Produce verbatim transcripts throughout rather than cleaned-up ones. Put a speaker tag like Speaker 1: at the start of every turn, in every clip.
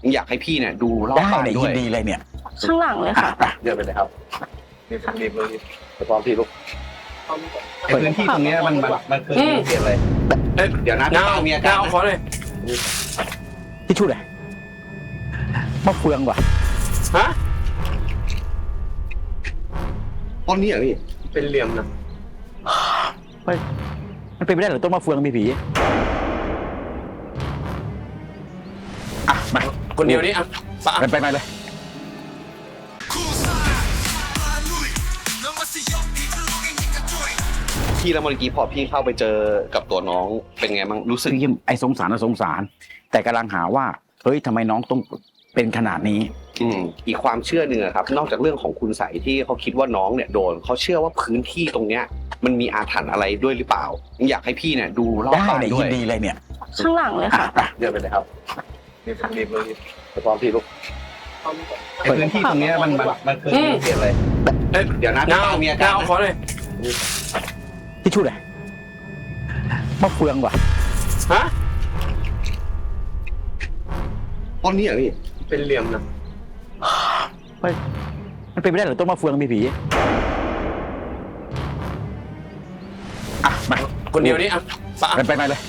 Speaker 1: อยากให้พี่เนี่ยดูรอบ
Speaker 2: ได้
Speaker 1: บ้าน
Speaker 2: เลย
Speaker 1: ด้
Speaker 2: ยิ
Speaker 1: วย
Speaker 2: นดีเลยเนี่ย
Speaker 3: ข้างหลังเลยค่ะ
Speaker 1: เดินไปเลยครับรีบรีบรีบไปพร้อมพี่ลูกไอ้พื้นที่ตรงเนี้ยมันมันมันคือเปลี่ยนเลยเดี๋ยวนะพี่ป้ามีอาการ
Speaker 4: เอาขอเลย
Speaker 2: ที่ชุดเลยมะเฟืองว่ะ
Speaker 4: ฮะ
Speaker 1: ต้นนี้เหรอพี่
Speaker 4: เป็นเหลี่ยมนะ
Speaker 2: มันมันเป็นไปได้เหรอต้นมะเฟืองมีผีอ่ะมา
Speaker 4: คนเดียวนี้อ่ะปะ
Speaker 2: ไปไปไปเลย
Speaker 1: พี่แล้วเมื่อกี้พอพี่เข้าไปเจอกับตัวน้องเป็นไงบ้างรู้สึ
Speaker 2: ซึ่
Speaker 1: ก
Speaker 2: งยิ่งไอ้สงสารนะสงสาร แต่กำลังหาว่าเฮ้ยทำไมน้องต้องเป็นขนาดนี้
Speaker 1: อืมอีกความเชื่อหนึ่งอะครับ นอกจากเรื่องของคุณใสยที่เขาคิดว่าน้องเนี่ยโดนเขาเชื่อว่าพื้นที่ตรงเนี้ยมันมีอาถรรพ์อะไรด้วยหรือเปล่าอยากให้พี่เนี่ยดูรอบ
Speaker 2: ได้
Speaker 1: บ้าน
Speaker 2: เลย
Speaker 1: ด้
Speaker 2: ยิ
Speaker 1: วย
Speaker 2: นดีเลยเนี่ย
Speaker 3: ข้างหลังเลยค่ะ
Speaker 2: อ่ะ
Speaker 1: เดินไปเลยครับรีบรีบรีบไปพร้อมพี่ลูกไอ้พื้นที่ตรงเนี้ยมันมันมันคือเปลี่ยนเลยเดี๋ยวนะพี่ป้ามีอาการ
Speaker 4: เอาขอเลย
Speaker 2: ที่ชุดเลยมะเฟืองว่ะ
Speaker 4: ฮะ
Speaker 1: ต้นนี้เหรอพี่
Speaker 4: เป็นเหลี่ยมนะ
Speaker 2: มันมันเป็นไปได้เหรอต้นมะเฟืองมีผีอ่ะมา
Speaker 4: คนเดียวนี้อ่ะปะ
Speaker 2: ไปไปไปเลย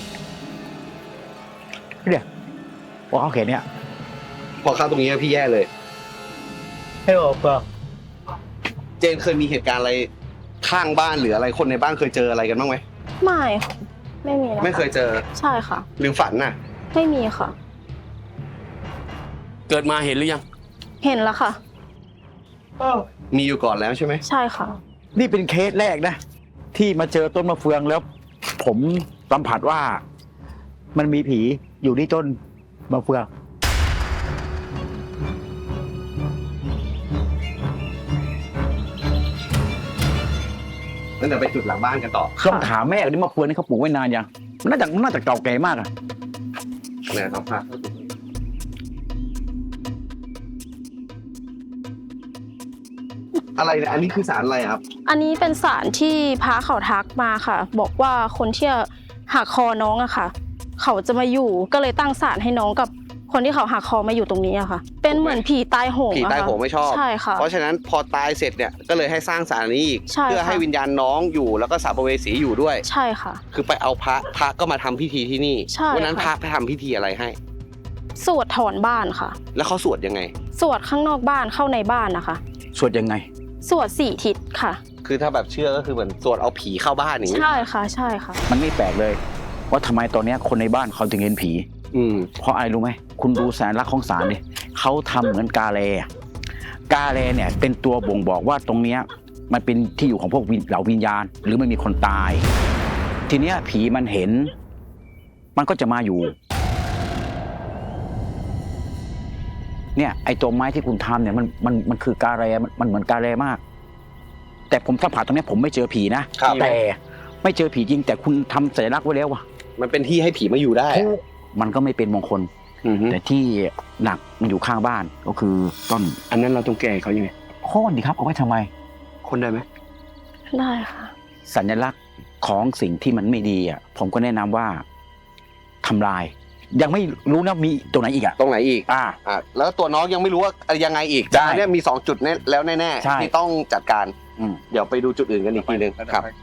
Speaker 2: เดี๋ยวว่าเขาเขียนเนี่ย
Speaker 1: พอเข้าตรงนี้พี่แย่เลย
Speaker 2: ให้ออกเปล่า
Speaker 1: เจนเคยมีเหตุการณ์อะไรข้างบ้านหรืออะไรคนในบ้านเคยเจออะไรกันบ้างไหม
Speaker 3: ไม่ค่ะไม่มีนะคะ
Speaker 1: ไม่เคยเจอ
Speaker 3: ใช่ค่ะ
Speaker 1: หรือฝันน่ะ
Speaker 3: ไม่มีค่ะ
Speaker 4: เกิดมาเห็นหรือยัง
Speaker 3: เห็นแล้วค่ะ
Speaker 1: มีอยู่ก่อนแล้วใช่ไหม
Speaker 3: ใช่ค่ะ
Speaker 2: นี่เป็นเคสแรกนะ ที่มาเจอต้นมะเฟืองแล้ว ผมสัมผัสว่า มันมีผีอยู่ที่ต้นมะเฟือง
Speaker 1: แล้วเดี๋ยวไปจุดหลังบ้านกันต่อ
Speaker 2: ต้องถามแม่ว่านี่มะเฟืองนี่เขาปลูกไว้นานยังมันน่าจะน่าจะเก่าแก่มากอะ
Speaker 1: เนี่ยครับภาพอะไรเนี่ยอันนี้คือสารอะไรครับ
Speaker 3: อันนี้เป็นสารที่พระเขาทักมาค่ะ บอกว่าคนที่หักคอน้องอะค่ะ เขาจะมาอยู่ก็เลยตั้งศาลให้น้องกับคนที่เขาหักคอมาอยู่ตรงนี้อะค่ะ เป็นเหมือนผีตายโหง
Speaker 1: ผี
Speaker 3: อะ
Speaker 1: ตาย
Speaker 3: ค่ะ
Speaker 1: โหงไม่ชอบ
Speaker 3: ใช่ค่ะ
Speaker 1: เพราะฉะนั้นพอตายเสร็จเนี่ยก็เลยให้สร้างสารนี้อีก
Speaker 3: ใช่
Speaker 1: เพื่อ
Speaker 3: ค่ะ
Speaker 1: ให้วิญญาณน้องอยู่แล้วก็สัมภเวสีอยู่ด้วย
Speaker 3: ใช่ค่ะ
Speaker 1: คือไปเอาพระพระก็มาทำพิธีที่นี่
Speaker 3: ใช่
Speaker 1: วันนั้นพ
Speaker 3: ค่ะ
Speaker 1: ระไปทำพิธีอะไรให้
Speaker 3: สวดถอนบ้านค่ะ
Speaker 1: แล้วเขาสวดยังไง
Speaker 3: สวดข้างนอกบ้านเข้าในบ้านนะคะ
Speaker 2: สวดยังไง
Speaker 3: สวดสี่ทิศค่ะ
Speaker 1: คือถ้าแบบเชื่อก็คือเหมือนสวดเอาผีเข้าบ้านอย่างนี้
Speaker 3: ใช่ค่ะ ใช่ค่ะ
Speaker 2: มันไม่แปลกเลย ว่าทำไมตอนเนี้ยคนในบ้านเขาถึงเห็นผี
Speaker 1: อืม
Speaker 2: เพราะอะไรรู้ไหมคุณดูสัญลักษณ์ของศาลดิเขาทำเหมือนกาเลอะกาเลเนี่ยเป็นตัวบ่งบอกว่าตรงเนี้ยมันเป็นที่อยู่ของพวกวิญเหล่าวิญญาณ หรือมันมีคนตาย ทีเนี้ยผีมันเห็น มันก็จะมาอยู่ เนี่ยไอ้ตัวไม้ที่คุณทำเนี่ยมันมันมันคือกาเลมันมันเหมือนกาเลมาก แต่ผมสัมผัสตรงเนี้ยผมไม่เจอผีนะครับ แต่ไม่เจอผีจริง แต่คุณทำสัญลักษณ์ไว้แล้วว่ะ
Speaker 1: มันเป็นที่ให้ผีมาอยู่ได้
Speaker 2: มันก็ไม่เป็นมงคล
Speaker 1: อือฮึ
Speaker 2: แต่ที่หนักมันอยู่ข้างบ้านก็คือต้น
Speaker 4: อันนั้นเราต้องแก้เขายังไง
Speaker 2: โค่นดีครับเอาไว้ทำไม
Speaker 1: คนได้ไหม
Speaker 3: ได้ค่ะ
Speaker 2: สัญลักษณ์ของสิ่งที่มันไม่ดีอ่ะผมก็แนะนำว่าทำลาย ยังไม่รู้นะมีตัวไหนอีกอ่ะ
Speaker 1: ตรงไหนอีก
Speaker 2: อ่า
Speaker 1: อ่ะแล้วตัวน้องยังไม่รู้ว่ายังไงอีก
Speaker 2: ใช่
Speaker 1: แต่อันเนี้ยมีสองจุดแน่แล้วแน่
Speaker 2: ใช่
Speaker 1: ๆที่ต้องจัดการ
Speaker 2: อืม
Speaker 1: เดี๋ยวไปดูจุดอื่นกันอีกทีหนึงครับ